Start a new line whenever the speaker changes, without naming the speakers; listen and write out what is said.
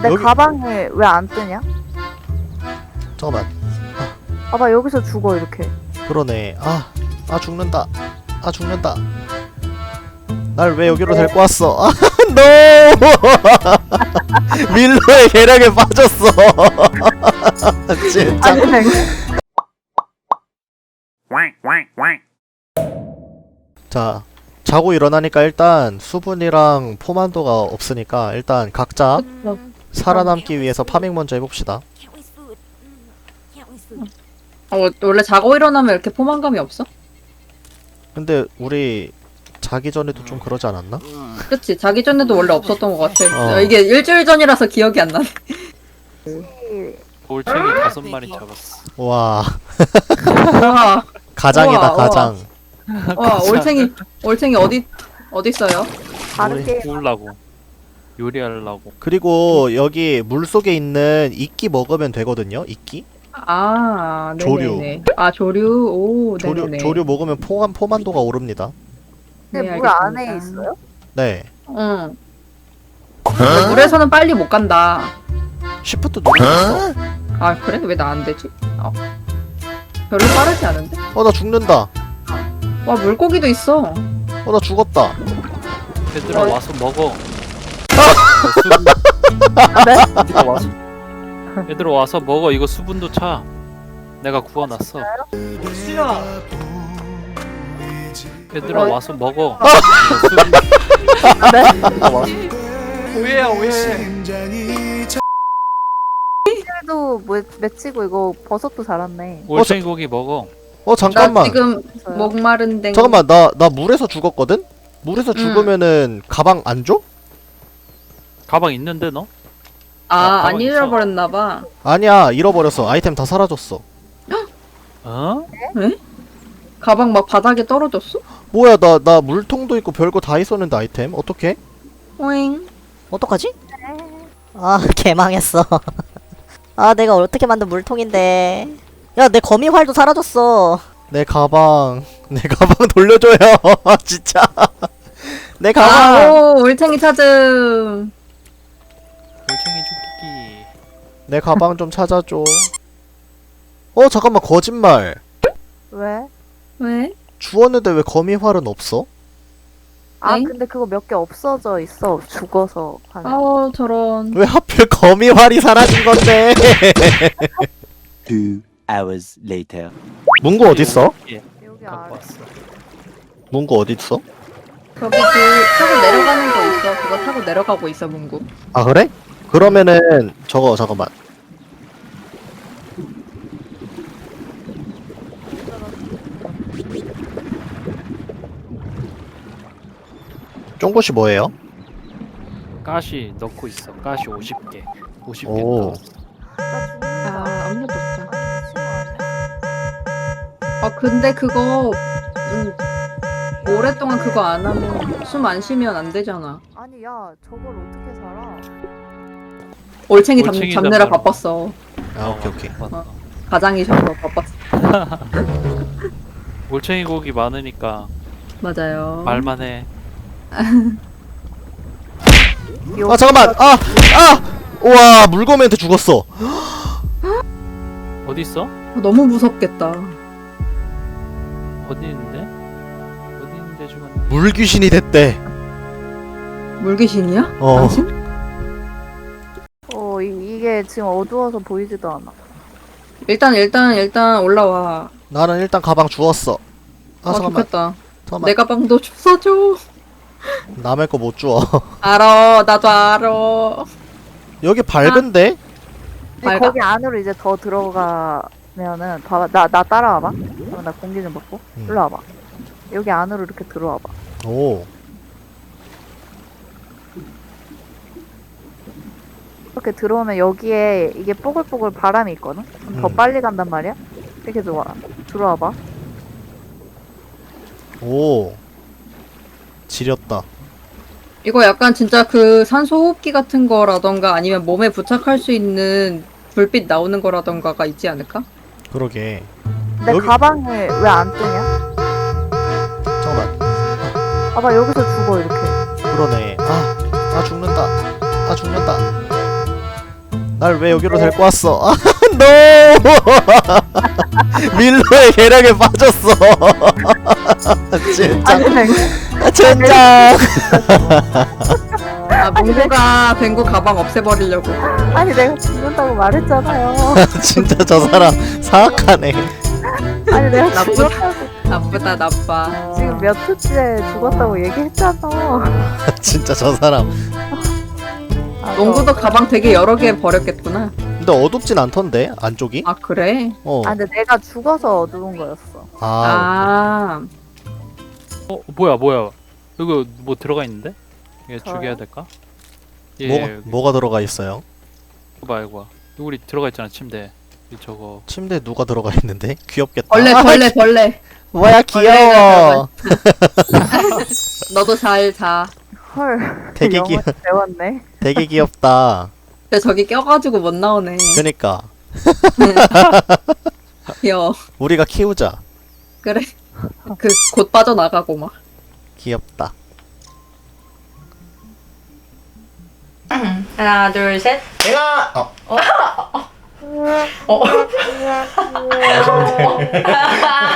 내
여기-
가방에 왜 안 뜨냐?
잠깐만.
봐봐 여기서 죽어 이렇게.
그러네. 죽는다. 죽는다. 날 왜 여기로 데리고 왔어? 노! 밀로의 계략에 빠졌어. 진짜.
아니
자, 자고 일어나니까 일단 수분이랑 포만도가 없으니까 일단 각자 살아남기 위해서 파밍 먼저 해봅시다.
원래 자고 일어나면 이렇게 포만감이 없어?
근데 우리 자기 전에도 좀 그러지 않았나?
그치, 자기 전에도 원래 없었던 것 같아.
어.
이게 일주일 전이라서 기억이 안 나네.
올챙이 5마리 잡았어.
와,
와,
가장이다,
우와,
가장.
와, 올챙이 어디 있어요?
다른
우리-
게임
구우려고. 요리하려고.
그리고 여기 물 속에 있는 이끼 먹으면 되거든요. 이끼?
아,
조류.
네네네. 아, 조류. 오, 네네네.
조류 먹으면 포만도가 오릅니다.
근데
네,
물 안에
알겠습니다.
있어요?
네.
응. 근데 물에서는 빨리 못 간다.
시프트 누르셨어.
아, 그래? 왜 나 안 되지? 별로 빠르지 않은데?
나 죽는다.
와, 물고기도 있어.
나 죽었다.
얘들아 와서 먹어. 얘들아 와서 먹어. 이거 수분도 차. 내가 구워놨어. 얘들아 와서 먹어. 오해야 오해.
도 맺히고 이거 버섯도 자랐네.
올챙이 고기 먹어.
나
잠깐만.
지금
있어요?
목마른데.
잠깐만, 나 물에서 죽었거든? 물에서 죽으면은 가방 안 줘?
가방 있는데 너?
안
가만히 있어.
잃어버렸나봐.
아니야, 잃어버렸어. 아이템 다 사라졌어.
어?
가방 막 바닥에 떨어졌어?
뭐야, 나 물통도 있고 별거 다 있었는데 아이템? 어떡해?
오잉.
어떡하지? 개망했어. 내가 어떻게 만든 물통인데. 야, 내 거미활도 사라졌어.
내 가방 돌려줘요. 진짜. 내 가방.
오, 올챙이 찾음.
올챙이 죽이기.
내 가방 좀 찾아줘. 잠깐만, 거짓말.
왜?
왜?
주웠는데 왜 거미활은 없어?
엥?
근데 그거 몇 개 없어져 있어. 죽어서 하는.
저런.
왜 하필 거미활이 사라진 건데?
2 hours later.
문구 어딨어?
예,
여기
갖고
아래.
왔어.
문구 어딨어?
저기 타고 내려가는 거 있어. 그거 타고 내려가고 있어, 문구.
아, 그래? 그러면은 저거 잠깐만. 쫑구씨 뭐예요?
가시 넣고 있어. 가시 50개. 50개
오.
넣었어.
나 죽는다.
아무것도 없다.
아니 미친 거 아니야?
근데 그거, 오랫동안 그거 안 하면, 숨 안 쉬면 안 되잖아.
아니 야 저걸 어떻게 살아?
올챙이
올챙이
잡느라
잡느라.
바빴어.
오케이.
맞다.
가장이 잡느라 바빴어.
올챙이 고기 많으니까
맞아요.
말만 해.
잠깐만. 우와, 물고기한테 죽었어.
어디 있어?
너무 무섭겠다.
어디 있는데? 어디 있는데 죽었네.
물귀신이 됐대.
물귀신이야?
어.
당신?
이게 지금 어두워서 보이지도 않아.
일단 올라와.
나는 일단 가방 주웠어. 잠깐만.
좋겠다.
잠깐만.
내 가방도 써줘.
남의 거 못 주워.
알아, 나도 알아.
여기 밝은데?
근데
밝아?
거기 안으로 이제 더 들어가면은 봐봐 나 따라와봐. 나 공기 좀 먹고 일로 와봐. 여기 안으로 이렇게 들어와봐.
오.
이렇게 들어오면 여기에 이게 뽀글뽀글 바람이 있거든? 그럼 더 빨리 간단 말이야? 이렇게 들어와봐.
오. 지렸다.
이거 약간 진짜 그 산소 호흡기 같은 거라던가 아니면 몸에 부착할 수 있는 불빛 나오는 거라던가가 있지 않을까?
그러게.
내
여기-
가방에 왜 안 뜨냐?
잠깐만.
봐봐 여기서 죽어 이렇게.
그러네. 죽는다. 죽는다. 날 왜 여기로 데리고 왔어? 아, no! 밀로의 계략에 빠졌어. 진짜.
아니 내가
젠장.
아 몽고가 뱅고 가방 없애버리려고.
아니 내가 죽는다고 말했잖아요.
진짜 저 사람 사악하네.
아니 내가
나쁘다.
죽었다고
나쁘다 나빠.
지금 몇 초째 죽었다고 얘기했잖아.
진짜 저 사람.
아,
몽고도 가방 되게 여러 개 버렸겠구나.
근데 어둡진 않던데 안쪽이?
아 그래?
어.
아 근데 내가 죽어서 어두운 거였어.
아.
아
뭐야 이거 뭐 들어가 있는데? 얘
저요?
죽여야 될까? 예,
뭐가 들어가 있어요?
이거 우리 들어가 있잖아 침대. 저거
침대에 누가 들어가 있는데? 귀엽겠다.
벌레.
뭐야 귀여워.
너도 잘 자.
헐.
되게
영어 배웠네.
되게 귀엽다.
근데 저기 껴가지고 못 나오네.
그니까
귀여워.
우리가 키우자.
그래. 그 곧 빠져나가고 막.
귀엽다.
하나 둘 셋.
내가